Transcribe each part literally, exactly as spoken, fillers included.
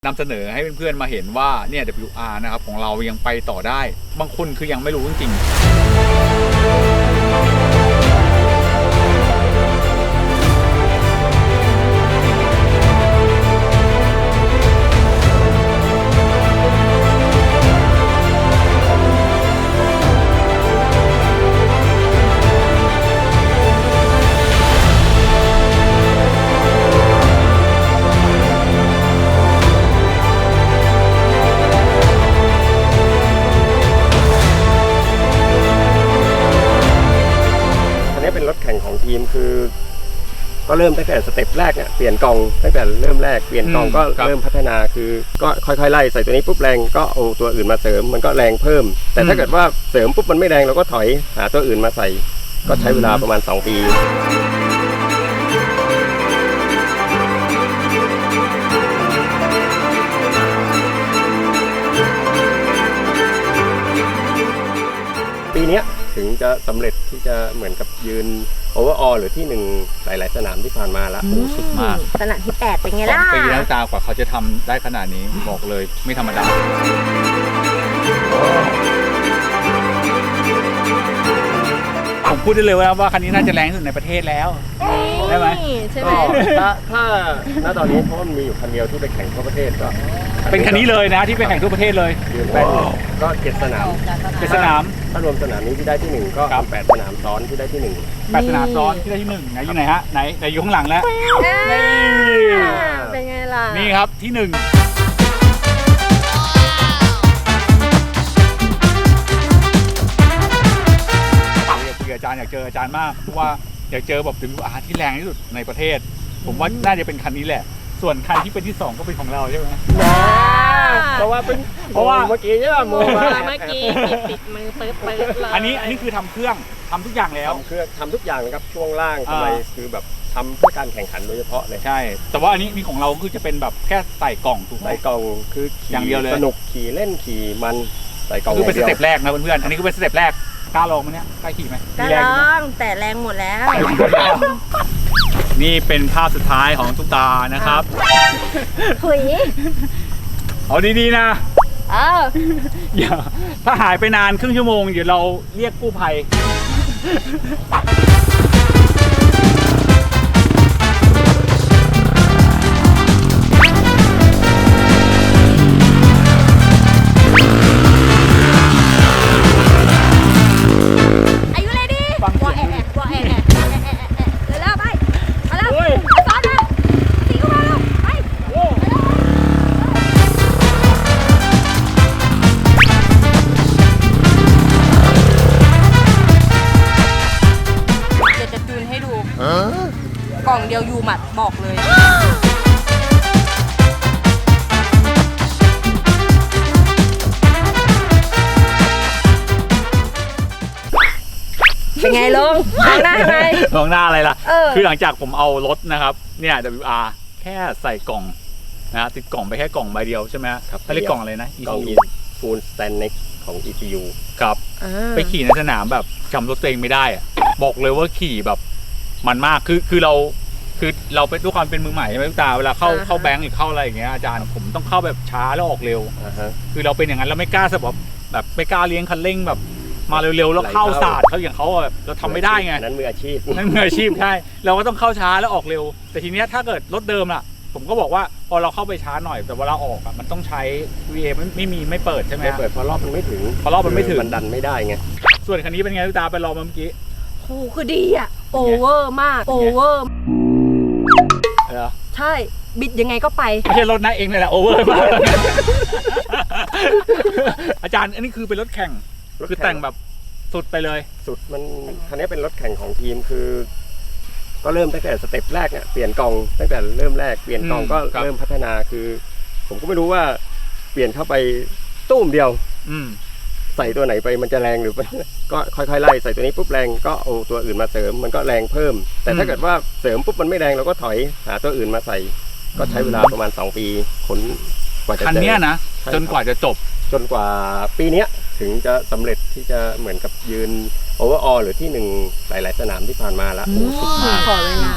นำเสนอให้เพื่อนๆมาเห็นว่าเนี่ย ดับเบิลยู อาร์ นะครับของเรายังไปต่อได้บางคนคือยังไม่รู้จริงๆเป็นรถแข่งของทีมคือก็เริ่มตั้งแต่สเต็ปแรกเนี่ยเปลี่ยนกล่องตั้งแต่เริ่มแรกเปลี่ยนกล่องก็เริ่มพัฒนาคือก็ค่อยๆไล่ใส่ตัวนี้ปุ๊บแรงก็เอาตัวอื่นมาเสริมมันก็แรงเพิ่มแต่ถ้าเกิดว่าเสริมปุ๊บมันไม่แรงเราก็ถอยหาตัวอื่นมาใส่ก็ใช้เวลาประมาณสองปีปีนี้ถึงจะสำเร็จที่จะเหมือนกับยืนโอเวอร์ออลหรือที่หนึ่งหลายๆสนามที่ผ่านมาละโอ้สุดมากสนามที่แปดเป็นไงล่ะสองปีแล้วตากว่าเขาจะทำได้ขนาดนี้บอกเลยไม่ธรรมดาผมพูดได้เลยว่าคันนี้น่าจะแรงที่สุดในประเทศแล้วได้ไหมใช่ไหมถ้าถ้าณตอนนี้เพราะมันมีอยู่คันเดียวที่ไปแข่งทั่วประเทศก็เป็นคันนี้เลยนะที่ไปแข่งทั่วประเทศเลยเป็นก็เจ็ดสนามเจ็ดสนามถ้ารวมสนามนี้ที่ได้ที่หนึ่งก็แปดสนามซ้อนที่ได้ที่หนึ่งแปดสนามซ้อนที่ได้ที่หนึ่งไหนอยู่ไหนฮะไหนไหนอยู่ข้างหลังแล้วเป็นไงล่ะนี่ครับที่หนึ่งอาจารย์อยากเจออาจารย์มากเพราะว่าอยากเจอแบบ ดับเบิลยู อาร์ ที่แรงที่สุดในประเทศผมว่าน่าจะเป็นคันนี้แหละส่วนคันที่เป็นที่สองก็เป็นของเราใช่ไหมเพราะว่าเป็นเพราะว่าเมื่อกี้ใช่ไหมโมเมื่อกี้ติดมือเปิดเปิดเลยอันนี้อันนี้คือทำเครื่องทำทุกอย่างแล้วทำเครื่องทำทุกอย่างนะครับช่วงล่างทำไมคือแบบทำเพื่อการแข่งขันโดยเฉพาะเลยใช่แต่ว่าอันนี้นี่ของเราคือจะเป็นแบบแค่ใส่กล่องถูกไหมใส่กล่องคืออย่างเดียวเลยสนุกขี่เล่นขี่มันใส่กล่องคือเป็นสเต็ปแรกนะเพื่อนๆอันนี้ก็เป็นสเต็ปแรกกล้าลองไหมเนี่ยกล้าขี่ไหมกล้าลองแต่แรงหมดแล้วนี่เป็นภาพสุดท้ายของตุ๊กตานะครับหุยเอาดีๆนะเอออย่าถ้าหายไปนานครึ่งชั่วโมงเดี๋ยวเราเรียกกู้ภัยกล่องเดียวยูหมัดบอกเลยเป็นไงลงมองหน้าไงมองหน้าอะไรล่ะคือหลังจากผมเอารถนะครับเนี่ย ดับเบิลยู อาร์ แค่ใส่กล่องนะติดกล่องไปแค่กล่องใบเดียวใช่ไหมครับเขาเรียกกล่องอะไรนะกล่องฟูลสแตนเน็กของ อี ซี ยูครับไปขี่ในสนามแบบจำรถตัวเองไม่ได้อะบอกเลยว่าขี่แบบมันมากคือคือเราคือเราเป็นด้วยความเป็นมือใหม่ใช่ไหมทุกตาเวลาเข้าเข้าแบงก์หรือเข้าอะไรอย่างเงี้ยอาจารย์ผมต้องเข้าแบบช้าแล้วออกเร็วคือเราเป็นอย่างนั้นเราไม่กล้าแบบแบบไม่กล้าเลี้ยงคันเร่งแบบมาเร็วๆแล้วเข้าศาสตร์เขาอย่างเขาแบบเราทำไม่ได้ไงนั้นมืออาชีพนั่นมืออาชีพใช่เราก็ต้องเข้าช้าแล้วออกเร็วแต่ทีเนี้ยถ้าเกิดรถเดิมล่ะผมก็บอกว่าพอเราเข้าไปช้าหน่อยแต่เวลาออกอ่ะมันต้องใช้ วี เอ ไม่ไม่มีไม่เปิดใช่ไหมไม่เปิดเพราะรอบมันไม่ถึงเพราะรอบมันไม่ถึงมันดันไม่ได้ไงส่วนคันนี้เป็นไงทุกตาไปลองเมื่อกี้โอ้คือดีอ่ะโอเวอร์มากโอเวอร์ใช่บิดยังไงก็ไปไม่ใช่รถนะเองเลยแหละโอเวอร์มากอาจารย์อันนี้คือเป็นรถแข่งคือแต่งแบบสุดไปเลยสุดมันคันนี้เป็นรถแข่งของทีมคือก็เริ่มตั้งแต่สเต็ปแรกเนี่ยเปลี่ยนกล่องตั้งแต่เริ่มแรกเปลี่ยนกล่องก็เริ่มพัฒนาคือผมก็ไม่รู้ว่าเปลี่ยนเข้าไปตุ้มเดียวใส่ตัวไหนไปมันจะแรงหรือก็ค่อยๆไล่ใส่ตัวนี้ปุ๊บแรงก็เอาตัวอื่นมาเสริมมันก็แรงเพิ่มแต่ถ้าเกิดว่าเสริมปุ๊บมันไม่แรงเราก็ถอยหาตัวอื่นมาใส่ก็ใช้เวลาประมาณสองปีขนกว่าจะคันนี้นะจนกว่าจะจบจนกว่าปีนี้ถึงจะสำเร็จที่จะเหมือนกับยืนโอเวอร์ออลหรือที่หนึ่งหลายๆสนามที่ผ่านมาละโอ้สุดมากขอเวลา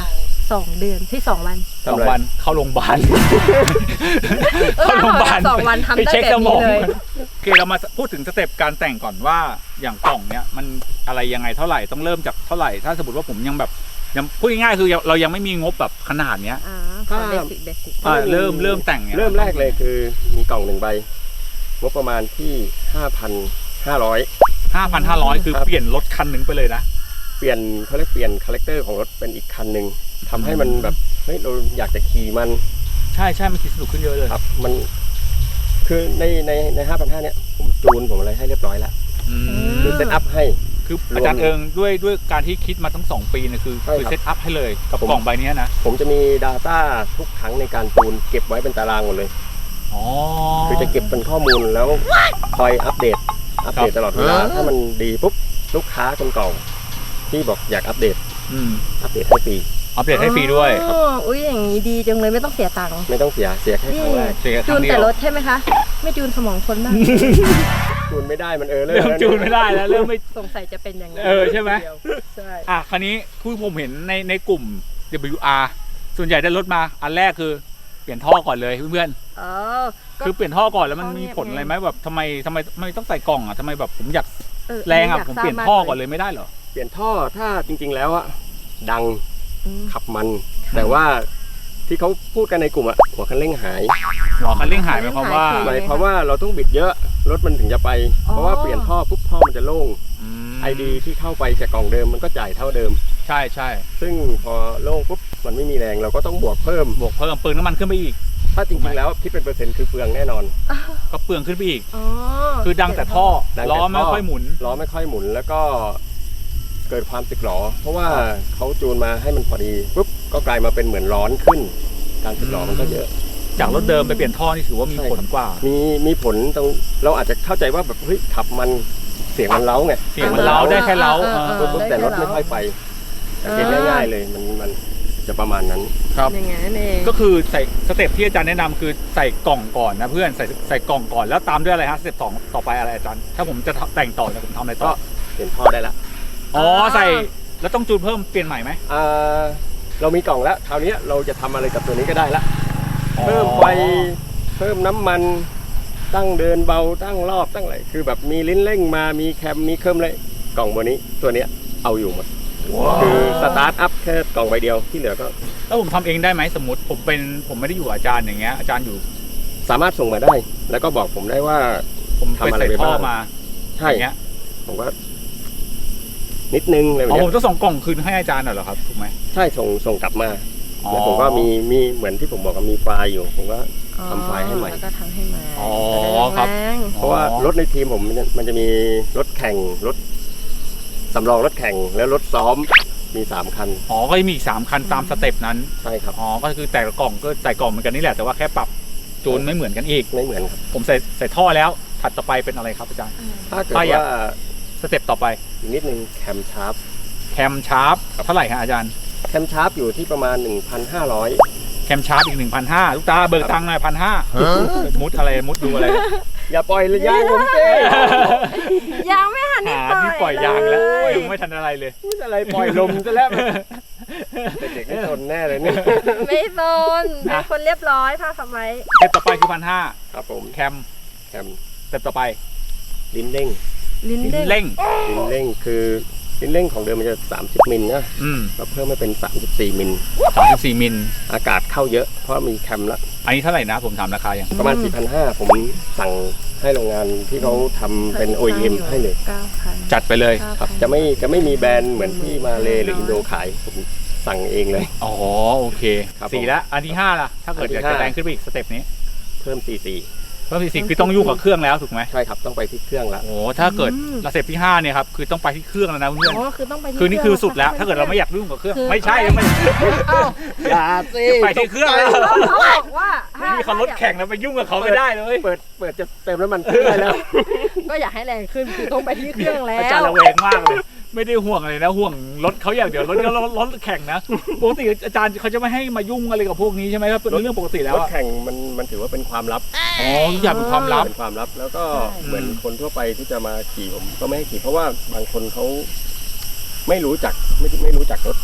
สองเดือนที่สองวันสองวันเข้าโรงพยาบาลเออเข้าโรงพยาบาลสองวันทำได้ไปเช็คแบบสมอนี้งเลยโอเคเรามาพูดถึงสเต็ปการแต่งก่อนว่าอย่างกล่องเนี้ยมันอะไรยังไงเท่าไหร่ต้องเริ่มจากเท่าไหร่ถ้าสมมติว่าผมยังแบบยังพูดง่ายๆคือเรายังไม่มีงบแบบขนาดเนี้ยอ่าขอเบสิกเบสิกอ่าเริ่มเริ่มแต่งเนี่ยเริ่มแรกเลยคือมีกล่องหนึ่งใบงบประมาณที่ห้าพันห้าร้อยห้าพันห้าร้อยคือเปลี่ยนรถคันหนึ่งไปเลยนะเปลี่ยนเขาเรียกเปลี่ยนคาแรคเตอร์ของรถเป็นอีกคันหนึ่งทำให้มันแบบเฮ้ยเราอยากจะขี่มันใช่ใช่มันขี่สนุกขึ้นเยอะเลยครับมันคือในในในห้าพันห้าเนี่ยผมจูนผมอะไรให้เรียบร้อยแล้วอืมคือเซตอัพให้คืออาจารย์เอิงด้วยด้วยการที่คิดมาทั้งสองปีเนี่ยคือใช่ครับคือเซตอัพให้เลยกับผมกล่องใบเนี้ยนะผมจะมี Data ทุกครั้งในการจูนเก็บไว้เป็นตารางหมดเลยอ๋อคือจะเก็บเป็นข้อมูลแล้วคอยอัปเดตอัปเดตตลอดเวลาถ้ามันดีปุ๊บลูกค้าคนเก่าที่บอกอยากอัปเดตอืมอัปเดตให้ฟรีอัปเดตให้ฟรีด้วยอ๋ออุ้ยอย่างนี้ดีจังเลยไม่ต้องเสียตังค์ไม่ต้องเสียเสียแค่ครั้งแรกเสียคจูรั้นงเดีแต่ยวรถใช่ไหมคะ ไม่จูนสมองคนบ้างจูนไม่ได้มันเออเลยเริ่มจูนไม่ได้แล้วเริ่มไม่สงสัยจะเป็นอย่างนั้นเออใช่ไหมใช่อ่ะคราวนี้คือผมเห็นในในกลุ่ม ดับเบิลยู อาร์ ส่วนใหญ่ได้รถมาอันแรกคือเปลี่ยนท่อก่อนเลยเพื่อนเออๆคือเปลี่ยนท่อก่อนแล้วมันท่อเนี่ยมีผลอะไรไหมแบบทำไมทำไมทำไมต้องใส่กล่องอ่ะทำไมแบบผมอยากเออแรงอ่ะยาผมเปลี่ยนทราบท่อมากก่อนเลยไม่ได้เหรอเปลี่ยนท่อถ้าจริง ๆ แล้วอะดังอืมขับมัน แต่ว่าที่เขาพูดกันในกลุ่มอะหัวคันเร่งหายหัวคันเร่งหายหมายความว่าคือหมายความว่าเราต้องบิดเยอะรถมันถึงจะไปอ๋อเพราะว่าเปลี่ยนท่อปุ๊บท่อมันจะโล่งอืมไอดีที่เข้าไปจากกล่องเดิมมันก็จ่ายเท่าเดิมใช่ใช่ซึ่งพอโล่งปุ๊บมันไม่มีแรงเราก็ต้องบวกเพิ่มบวกเพิ่มเปลืองน้ำมันขึ้นไปอีกถ้าจริงๆแล้วคิดเป็นเปอร์เซ็นต์คือเปลืองแน่นอนก็เปลืองขึ้นไปอีกอ๋อคือดังแต่ท่อดังแต่ล้อไม่ท่อค่อยหมุนล้อไม่ค่อยหมุนแล้วก็เกิดความสึกหรอ เพราะว่าเขาจูนมาให้มันพอดีปุ๊บก็กลายมาเป็นเหมือนร้อนขึ้น การสึกหรอมันก็เยอะจากรถเดิมไปเปลี่ยนท่อนี่ถือว่ามีใช่ผลกว่ามีมีผลตรงเราอาจจะเข้าใจว่าแบบเฮ้ยขับมันเสียงมันเล้าไงเสียงมันเล้าได้แค่เล้าออออปุ๊บปุ๊บแต่รถไม่ค่อยไปสังเกตง่ายๆเลยมันมันจะประมาณนั้นครับอย่างงั้นเองก็คือใส่สเต็ปที่อาจารย์แนะนำคือใส่กล่องก่อนนะเพื่อนใส่ใส่กล่องก่อนแล้วตามด้วยอะไรฮะสเต็ปสองต่อไปอะไรอาจารย์ถ้าผมจะแต่งต่อเนี่ยผมทำอะไรต่ก็อเปลี่ยนท่อได้ละอ๋อใส่แล้วต้องจูนเพิ่มเปลี่ยนใหม่ไหมอ่าเรามีกล่องแล้วคราวนี้เราจะทำอะไรกับตัวนี้ก็ได้ละเพิ่มไฟเพิ่มน้ำมันตั้งเดินเบาตั้งรอบตั้งอะไรคือแบบมีลิ้นเร่งมามีแคมมีเครื่องเลยกล่องตัวนี้ตัวเนี้ยเอาอยู่หมดคือสตาร์ทอัพแค่กล่องใบเดียวที่เหลือก็แล้วผมทำเองได้ไหมสมมติผมเป็นผมไม่ได้อยู่กับอาจารย์อย่างเงี้ยอาจารย์อยู่สามารถส่งมาได้ แล้วก็บอกผมได้ว่าผมทำไปอะไรใส่ไปท่อบ้างมาใช่อย่างเงี้ยผมว่านิดนึงอะไรแบบอ๋อเนี้ผมยต้องส่งกล่องคืนให้อาจารย์เหรอครับถูกไหมใช่ส่งส่งกลับมาอ๋อแล้วผมก็มีมีเหมือนที่ผมบอกว่ามีไฟล์อยู่ผมก็ ทำไฟล์ให้ใหม่แล้วก็ทำให้ใหม่อ๋อจะได้ครับแรงเพราะว่ารถในทีมผมมันจะมันจะมีรถแข่งรถสำรองรถแข่งแล้วรถซ้อมมีสามคันอ๋อก็จะมีอีกสามคันตามสเต็ปนั้นใช่ครับอ๋อก็คือแต่ละกล่องก็ใส่กล่องเหมือนกันนี่แหละแต่ว่าแค่ปรับจูนไม่เหมือนกันอีกไม่เหมือนครับผมใส่ใส่ท่อแล้วถัดต่อไปเป็นอะไรครับอาจารย์ถ้าเกิดถ้าอยากว่าสเต็ปต่อไปอีกนิดนึงแคมชาร์ปแคมชาร์ปเท่าไหร่ฮะอาจารย์แคมชาร์ปอยู่ที่ประมาณ หนึ่งพันห้าร้อยแคมชาร์ปอีกหนึ่งพันห้าลูกตาเบิกตังค์หน่อยพันห้ามุดอะไรมุดดูอะไรอย่าปล่อยระยะผมเต้ยังไม่หันหาได้ที่ปล่อยยางแล้วยังไม่ทันอะไรเลยพูดอะไรปล่อยลมซะแล้วเด็กๆไม่ทนแน่เลยเนี่ยไม่โซนเป็นคนเรียบร้อยผ้าทำไมสเต็ปต่อไปคือพันห้าครับผมแคมแคมสเต็ปต่อไปลิ้นเร่งลิ้นลิ้นเด้งเร่งลิ้นเร่งคือลิ้นเร่งของเดิมมันจะสามสิบมิลนะอืมเราเพิ่มมาเป็นสามสิบสี่มิลสามสิบสี่มิลอากาศเข้าเยอะเพราะมีแคมละอันนี้เท่าไหร่นะผมถามราคายังประมาณ สี่พันห้าร้อย ผมสั่งให้โรงงานที่เขาทำเป็น โอ อี เอ็ม ให้เลยเก้าพันจัดไปเลยครับจะไม่จะไม่มีแบรนด์เหมือนที่มาเลหรืออินโดขายผมสั่งเองเลยอ๋อโอเคครับผมสี่แล้วอันที่ห้าล่ะถ้าเกิดอันที่อยากจะห้าแรงขึ้นไปอีกสเต็ปนี้เพิ่ม ซี ซีเพิ่มสี่สิบคือต้องยุ่งกับเครื่องแล้วถูกไหมใช่ครับต้องไปที่เครื่องละโอ้ถ้าเกิดสเต็ปที่ห้าเนี่ยครับคือต้องไปที่เครื่องแล้วนะเพื่อนอ๋อคือต้องไปที่คือนี่คือสุดแล้ว ถ้าเกิดเราไม่อยากยุ่งกับเครื่องไม่ใช่ไม่เอ้าอย่าสิไปที่เครื่องแล้วเขาบอกว่าไม่มีเขารถแข่งแล้วไปยุ่งกับเขาไม่ได้เลยเปิดเปิดจะเติมน้ำมันเครื่องได้แล้วก็อยากให้แรงขึ้นคือต้องไปที่เครื่องแล้อาจารวย์ระแวงมากเลย ไม่ได้ห่วงอะไรนะห่วงรถเขาอย่างเดียวรถรถรถแข่งนะปกติอาจารย์เขาจะไม่ให้มายุ่งอะไรกับพวกนี้ใช่ไหมครับเป็นเรื่องปกติแล้รวถอะแข่งมันมันถือว่าเป็นความลับอ๋อทุกอย่างเป็นความลับเป็นความลับแล้วก็ใช่เหมือนคนทั่วไปที่จะมาขี่ผมก็ไม่ให้ขี่เพราะว่าบางคนเขาไม่รู้จักไม่ไม่รู้จักรถบาง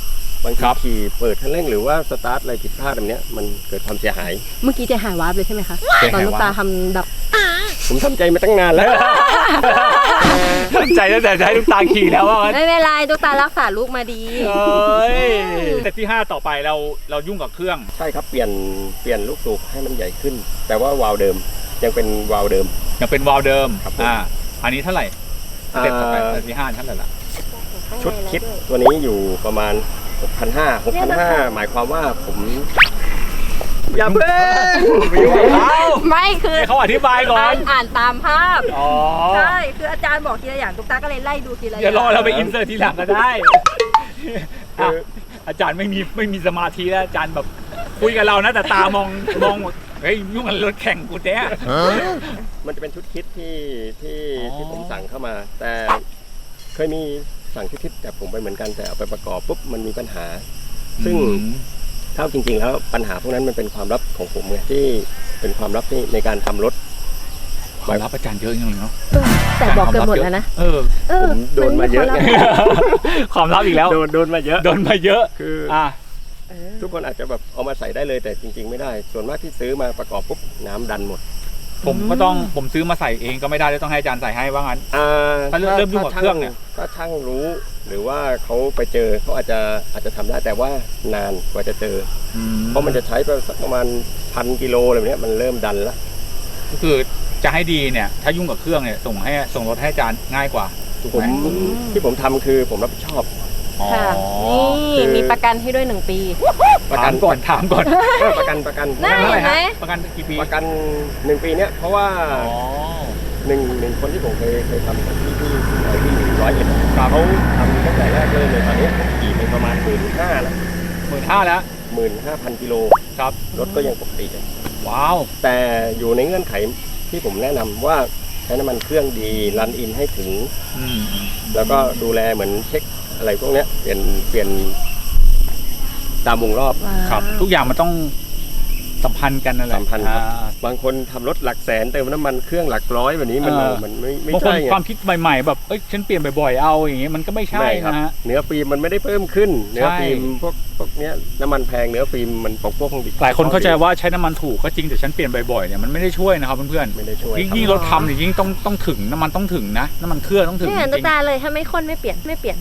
างทีขี่เปิดคันเร่งหรือว่าสตาร์ทอะไรผิดพลาดแบบเนี้ยมันเกิดความเสียหายเมื่อกี้ใจหายวาบเลยใช่ไหมคะตอนลูกตาทำแบบผมทำใจมาตั้งนานแล้วตั้งใจตั้งแต่จะให้ลูกตาขี่แล้วว่างั้นไม่เป็นไรลูกตารักษาลูกมาดีเอ้ยแต่ที่ห้าต่อไปเราเรายุ่งกับเครื่องใช่ครับเปลี่ยนเปลี่ยนลูกสูบให้มันใหญ่ขึ้น แต่ว่าวาล์วเดิมยังเป็นวาล์วเดิมยังเป็นวาล์วเดิมครับผมอ่าอันนี้เท่าไหร่สเต็ปต่อไปอ่าสเต็ปที่ห้าเท่าไหร่ละชุดคิดตัวนี้อยู่ประมาณ หกพันห้าร้อย หกพันห้าร้อย หมายความว่าผมอย่าเพิ่งไปยุ่งกับเขาไม่คือให้เขาอธิบายก่อนอ่านอ่านตามภาพอ๋อใช่คืออาจารย์บอกทีละอย่างตุ๊กตาก็เลยไล่ดูทีละอย่างเดี๋ยวรอเราไปอินเสิร์ตทีหลังก็ได้อ่ะอาจารย์ไม่มีไม่มีสมาธิแล้วอาจารย์แบบคุยกับเรานะแต่ตามองมองเฮ้ยยุ่งกับรถแข่งกูแท้มันจะเป็นชุดคิดที่ที่อ๋อที่ผมสั่งเข้ามา แต่เคยมีสั่งชุดคิดแต่ผมไปเหมือนกันแต่เอาไปประกอบปุ๊บมันมีปัญหา ซึ่งอืมเท่าจริง ๆ แล้วปัญหาพวกนั้นมันเป็นความลับของผมไงที่เป็นความลับที่ในการทำรถความลับอาจารย์เยอะจริงๆเนาะเออแต่บอกเกินหมดแล้วนะเออเออผมโดนมาเยอะนไงไควลับความลับอีกแล้วโดนโดนมาเยอะโดนมาเยอะคือออ่ะเออทุกคนอาจจะแบบเอามาใส่ได้เลยแต่จริง ๆ ไม่ได้ ส่วนมากที่ซื้อมาประกอบปุ๊บน้ำดันหมดผมก็ต้องผมซื้อมาใส่เองก็ไม่ได้เลยต้องให้อาจารย์ใส่ให้ว่างั้นอ่าถ้าเริ่มเริ่มยุ่งกับเครื่องเนี่ยถ้าช่างรู้ หรือว่าเขาไปเจอเขาอาจจะอาจจะทำได้แต่ว่านานกว่าจะเจอ เพราะมันจะใช้ไปสักประมาณพันกิโลอะไรแบบเนี้ยมันเริ่มดันแล้วก็คือจะให้ดีเนี่ย ถ้ายุ่งกับเครื่องเนี่ยส่งให้ส่งรถให้อาจารย์ง่ายกว่าถูกผมไหมที่ผมทำคือผมรับผิดชอบอ๋อค่ะคืนี่อมีประกันให้ด้วยหนึ่งปีประถากัมนก่อนถามก่อนเออประกันประกันน่าเท่าไหร่เห็นไหมฮะประกันกี่ปีประกันหนึ่งปีเนี้ยเพราะว่าอ๋อหนึ่งหนึ่งคนที่ผมเคยเคยทำกับที่ที่ที่ที่ร้อยเอ็ดครับเขาทำตั้งแต่แรกเลยเลยตอนนี้ผมขี่ไปประมาณหมื่นห้าแล้วหมื่นห้าแล้วหมื่นห้าพันกิโลครับรถก็ยังปกติเลยว้าวแต่อยู่ในเงื่อนไขที่ผมแนะนำว่าใช้น้ำมันเครื่องดีรันอินให้ถึงอืมอืมแล้วก็ดูแลเหมือนเช็คอะไรพวกเนี้ยเปลี่ยนเปลี่ยนตามวงรอบครับ ทุกอย่างมันต้องสัมพันธ์กันนั่นแหละสัมพันธ์ครับอ่าบางคนทำรถหลักแสนเติมน้ำมันเครื่องหลักร้อยแบบนี้มันเออมันไม่ไม่บางคนใช่ไงความคิดใหม่ๆแบบเอ้ยฉันเปลี่ยนบ่อยๆเอาอย่างงี้มันก็ไม่ใช่ไม่ครับนะฮะเนื้อฟิล์มมันไม่ได้เพิ่มขึ้น เนื้อใช่ฟิล์มพวกพวกเนี้ยน้ำมันแพงเนื้อฟิล์มมันปกพวกของดิหลายคนเข้าใจว่าใช้น้ำมันถูกก็จริงแต่ฉันเปลี่ยนบ่อยๆเนี่ยมันไม่ได้ช่วยนะครับเพื่อนไม่ได้ช่วยๆยิ่งครับยิ่งรถทำเนี่ยยิ่งต้องต้องถึงน้ำมันต้องถึงนะน้ำมันเครื่องต้องถึงไม่จเห็นตุ๊ริกงตาเลยถ้าไม่คนไม่เปลี่ยนไม่เปลี่ยน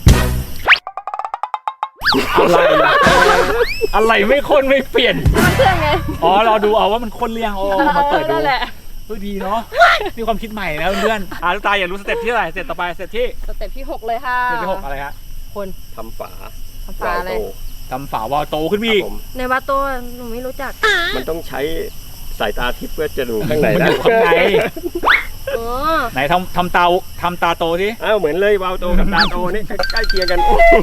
ๆอะไรล่ะอะไรไม่คนไม่เปลี่ยนน้ำมันเครื่องไงอ๋อเราดูเอาว่ามันคนเรียงอ๋อมาเปิดดูนั่นแหละเฮ้ยดีเนาะนี่ความคิดใหม่นะเพื่อนๆอ่าลูกตาอยากรู้สเต็ปที่เท่าไหร่สเต็ปต่อไปสเต็ปที่สเต็ปที่หกเลยค่ะสเต็ปที่หกอะไรฮะคนทำฝาทำฝาอะไรวลโตทำฝาวาล์วโตขึ้นไปครัอีบกผมในวัดโตหนูไม่รู้จักมันต้องใช้สายตาทิพย์เพื่อจะดูข้างในมันได้อยู่ข้างในอ๋อไหนทำทำตาทำตาโตที่อ้าวเหมือนเลยวาล์วโตกับตาโตนี่ใกล้เคียงกัน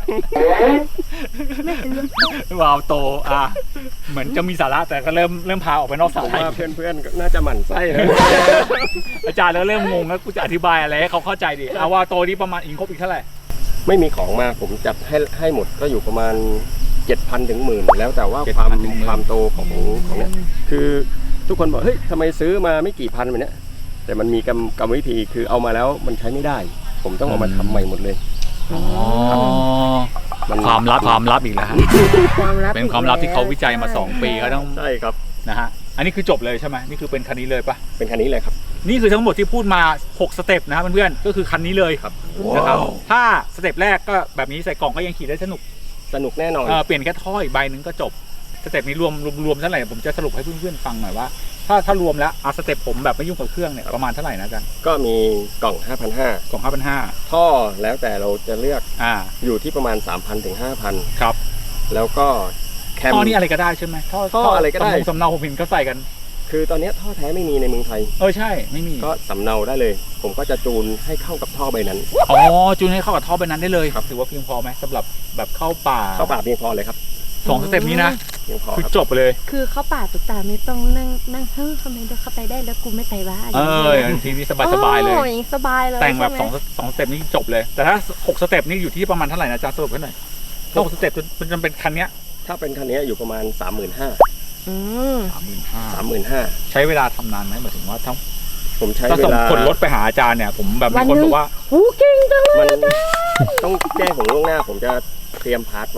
วาล์วโตอ่ะเหมือนจะมีสาระแต่ก็เริ่มเริ่มพาออกไปนอกผสาม ระว่าเพื่อนๆก็น่าจะหมั่นไส้นะอาจารย์แล้วเริ่มงงแล้วกูจะอธิบายอะไรให้เขาเข้าใจดิเอาว่าโตนี้ประมาณอิงครบอีกเท่าไหร่ไม่มีของมาผมจัดให้ให้หมดก็อยู่ประมาณเจ็ดพันถึงหมื่นแล้วแต่ว่าเจ็ดความพันถึงหมื่นความโตของของเนี้ยคือทุกคนบอกเฮ้ยทำไมซื้อมาไม่กี่พันแบบเนี้ยแต่มันมีกรรมกรรมวิธีคือเอามาแล้วมันใช้ไม่ได้ ผมต้องเอามาทำใหม่หมดเลยอ๋อมันความลับความลับอีกแล้วฮะความลับเป็นความลับที่เขาวิจัยมาสองปีเขาต้องใช่ครับนะฮะอันนี้คือจบเลยใช่ไหมนี่คือเป็นคันนี้เลยปะเป็นคันนี้เลยครับนี่คือทั้งหมดที่พูดมาหกสเต็ปนะครับเพื่อนๆก็คือคันนี้เลยครับนะครับถ้าสเต็ปแรกก็แบบนี้ใส่กล่องก็ยังขี่ได้สนุกสนุกแน่นอนเออเปลี่ยนแค่ท่ออีกใบหนึ่งก็จบสเต็ปนี้รวมรวมรวมเท่าไหร่ผมจะสรุปให้เพื่อนๆฟังหน่อยว่าถ้าถ้ารวมแล้วเอาสเต็ปผมแบบไม่ยุ่งกับเครื่องเนี่ยประมาณเท่าไหร่นะอาจารย์ก็มีกล่อง ห้าพันห้าร้อยกล่องห้าพันห้าท่อแล้วแต่เราจะเลือกอ่าอยู่ที่ประมาณ สามพันถึงห้าพันครับแล้วก็แคมท่อนี่อะไรก็ได้ใช่ไหมท่อท่ออะไรก็ได้สำเนาสำเนาผมเห็นเขาใส่กันคือตอนนี้ท่อแท้ไม่มีในเมืองไทยเออใช่ไม่มีก็สำเนาได้เลย ผมก็จะจูนให้เข้ากับท่อใบนั้นอ๋อจูนให้เข้ากับท่อไปนั้นได้เลยครับถือว่าเพียงพอไหมสำหรับแบบเข้าป่าเข้าป่าเพียงพอเลยครับสองสเต็ปนี้นะเพียงพอคือครับจบไปเลยคือเขาป่าตุ๊กตาไม่ต้องนั่งนั่งเฮ้ยทำไมเดินเข้าไปได้แล้วกูไม่ไปวะเออทีนี้สบายสบายๆเลยโอ้สบายเลยแต่งแบบสใช่องไหมสองสเต็ปนี้จบเลย แต่ถ้าหกสเต็ปนี่อยู่ที่ประมาณเท่าไหร่นะอาจารย์สรุปให้หน่อยถ้าหกสเต็ปมันจะเป็นคันเนี้ยถ้าเป็นคันนี้อยู่ประมาณ สามหมื่นห้าอืมสามหมื่นห้าสามหมื่นห้าใช้เวลาทำนานไหมหมายถึงว่าถ้าผมใช้ถ้าเวส่งลาขนรถไปหาอาจารย์เนี่ยผมแบบมีคนบอกว่าหูเก่งจังเลยมันต้องแจ้งผมล่วงหน้า ผมจะเตรียมพาร์ทไว้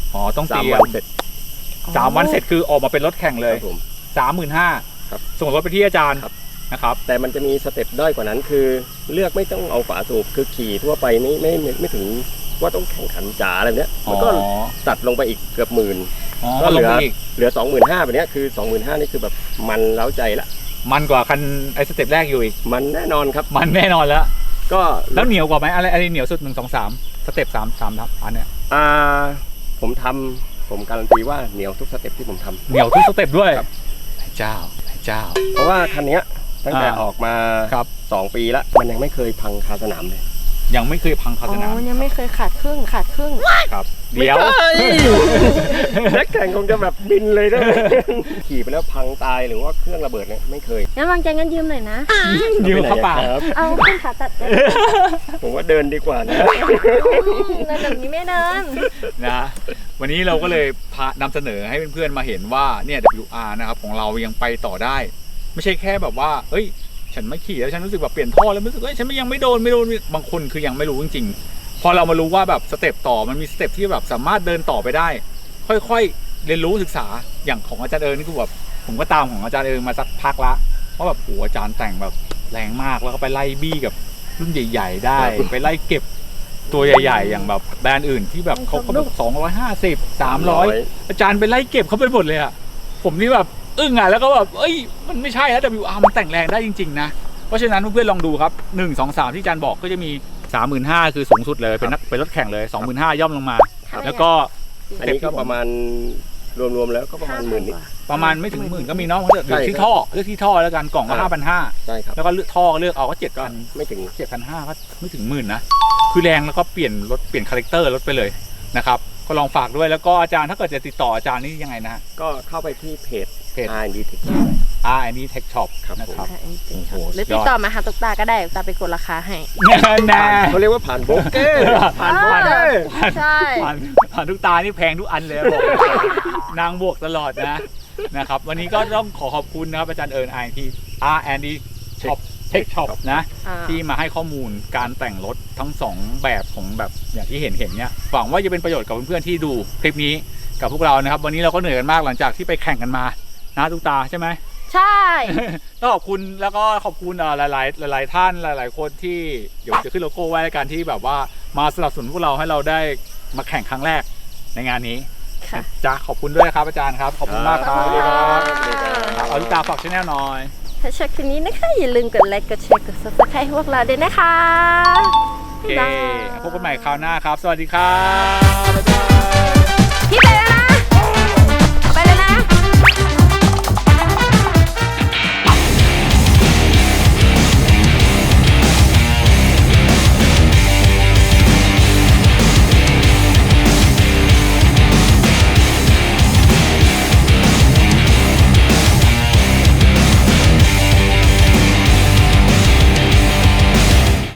อ๋อต้องสาเตมรียวัมนเสร็จสามวันเสร็จคือออกมาเป็นรถแข่งเลยครับผมสามหมื่นห้าครับส่งรถไปที่อาจารย์ครับนะครับแต่มันจะมีสเต็ปด้อยกว่านั้นคือเลือกไม่ต้องเอาฝาสูบคือขี่ทั่วไปไม่ไม่ไม่ไม่ถึงว่าต้องแข่งขันจ๋าอะไรแบบเนี้ยอ๋อมันก็ตัดลงไปอีกเกือบหมื่นอ๋อก็ลเหงลือไปอีกเหลือสองหมื่นห้าแบบเนี้ยคือสองหมื่นห้านี่คือแบบมันเล้าใจละมันกว่าคันไอ้สเต็ปแรกอยู่อีกมันแน่นอนครับมันแน่นอนแล้วก็แล้วเหนียวกว่าไหมอะไรอะไรเหนียวสุดหนึ่งสองสามสเต็ปสามสามครับอันเนี้ยอ่าผมทำผมการันตีว่าเหนียวทุกสเต็ปที่ผมทำเหนียวทุกสเต็ปด้วยครับพระเจ้าพระเจ้าเพราะว่าคันเนี้ยตั้งแต่อ่าออกมาครับสองปีแล้วมันยังไม่เคยพังคาสนามเลยยังไม่เคยพังคาอ๋สนามอยังไม่เคยขาดครึ่งขาดครึ่งครับ เดี๋ยวนักแข่งคงจะแบบบินเลยนะ ขี่ไปแล้วพังตายหรือว่าเครื่องระเบิดเนี่ยไม่เคยงั้นวางใจงั้นยืมหน่อยนะยืมเข้าป่าครับเอาขึ้นขาตัดเลยผมว่าเดินดีกว่านะเดินแบบนี้ไม่เดินนะวันนี้เราก็เลยพานำเสนอให้เพื่อนๆมาเห็นว่าเนี่ย ดับเบิลยู อาร์ นะครับของเรายังไปต่อได้ ไม่ใช่แค่แบบว่าเอ้ยฉันไม่ขี่แล้วฉันรู้สึกแบบเปลี่ยนท่อแล้วรู้สึกว่าฉันยังไม่โดนไม่โดนบางคนคือยังไม่รู้จริงๆพอเรามารู้ว่าแบบสเต็ปต่อมันมีสเต็ปที่แบบสามารถเดินต่อไปได้ ค่อยๆเรียนรู้ศึกษาอย่างของอาจารย์เอิญนี่คือแบบผมก็ตามของอาจารย์เอิญมาสักพักละเพราะแบบโหอาจารย์แต่งแบบแรงมากแล้วก็ไปไล่บี้กับรุ่นใหญ่ ๆ ได้ ไปไล่เก็บตัวใหญ่ๆอย่างแบบแบรนด์อื่นที่แบบเขาเขาแบบสองร้อยห้าสิบสามร้อยอาจารย์ไปไล่เก็บเขาไปหมดเลยอะผมนี่แบบอึ้งอ่ะแล้วก็แบบเอ้ยมันไม่ใช่แล้ว ดับเบิลยู อาร์ มันแต่งแรงได้จริงๆนะเพราะฉะนั้นเพื่อนๆลองดูครับหนึ่ง สอง สามที่อาจารย์บอกก็จะมี สามหมื่นห้า คือสูงสุดเลยเป็นนักเป็นรถแข่งเลย สองหมื่นห้า ย่อมลงมาครับแล้วก็อันนี้ก็ประมาณรวมๆแล้วก็ประมาณหมื่นนิดประมาณไม่ถึงหมื่นก็มีเนาะเลือกใช่ที่ท่อเลือกที่ท่อแล้วกันกล่องก็อ่าห้าพันห้าใช่ครับแล้วก็เลือกท่อเลือกเอาก็เจ็ดก็พันไม่ถึงเจ็ดพันห้าก็ไม่ถึงหมื่นนะคือแรงแล้วก็เปลี่ยนรถเปลี่ยนคาแรคเตอร์รถไปเลยนะครับก็ลองฝากด้วยแล้วก็อาจารย์ถ้าเกิดจะติดต่ออาจารย์นี่ยังไงนะฮะก็เข้าไปที่เพจเพจอาร์ แอนด์ ดี Tech อ่าอันนี้ Tech Shop ครับนะครับอ่ะจริงๆโอ้โหหรือติดต่อมาหาตุ๊กตาก็ได้ตุ๊กตาไปกดราคาให้แน่เขาเรียกว่าผ่านโบรกเกอร์ผ่านโบรกเกอร์ใช่ผ่านผ่านทุกตานี่แพงทุกอันเลยบอกนางบวกตลอดนะนะครับวันนี้ก็ต้องขอขอบคุณนะครับอาจารย์เอิญไอที อาร์ แอนด์ ดี Shop Tech Shop นะอ่าที่มาให้ข้อมูลการแต่งรถทั้งสองแบบของแบบอย่างที่เห็นเห็นเนี่ยหวังว่าจะเป็นประโยชน์กับเพื่อนๆที่ดูคลิปนี้กับพวกเรานะครับวันนี้เราก็เหนื่อยกันมากหลังจากที่ไปแข่งกันมานะทุกตาใช่ไหมใช่ต้องขอบคุณแล้วก็ขอบคุณเอ่อหลายๆหลาย ๆ ท่านหลาย ๆ คนที่เดี๋ยวจะขึ้นโลโก้ไว้ในการที่แบบว่ามาสนับสนุนพวกเราให้เราได้มาแข่งครั้งแรกในงานนี้ค่ะจ้าขอบคุณด้วยครับอาจารย์ครับขอบคุณมากคครัรับบสวัสดีครับครับเอาทุกตาฝากชแนลหน่อยถ้าชอบคลิปนี้นะคะ อย่าลืมกดไลค์กดแชร์กด ซับสไครบ์ ให้พวกเราด้วยนะคะโอเคบ๊ายบายพบกันใหม่คราวหน้าครับ สวัสดีครับ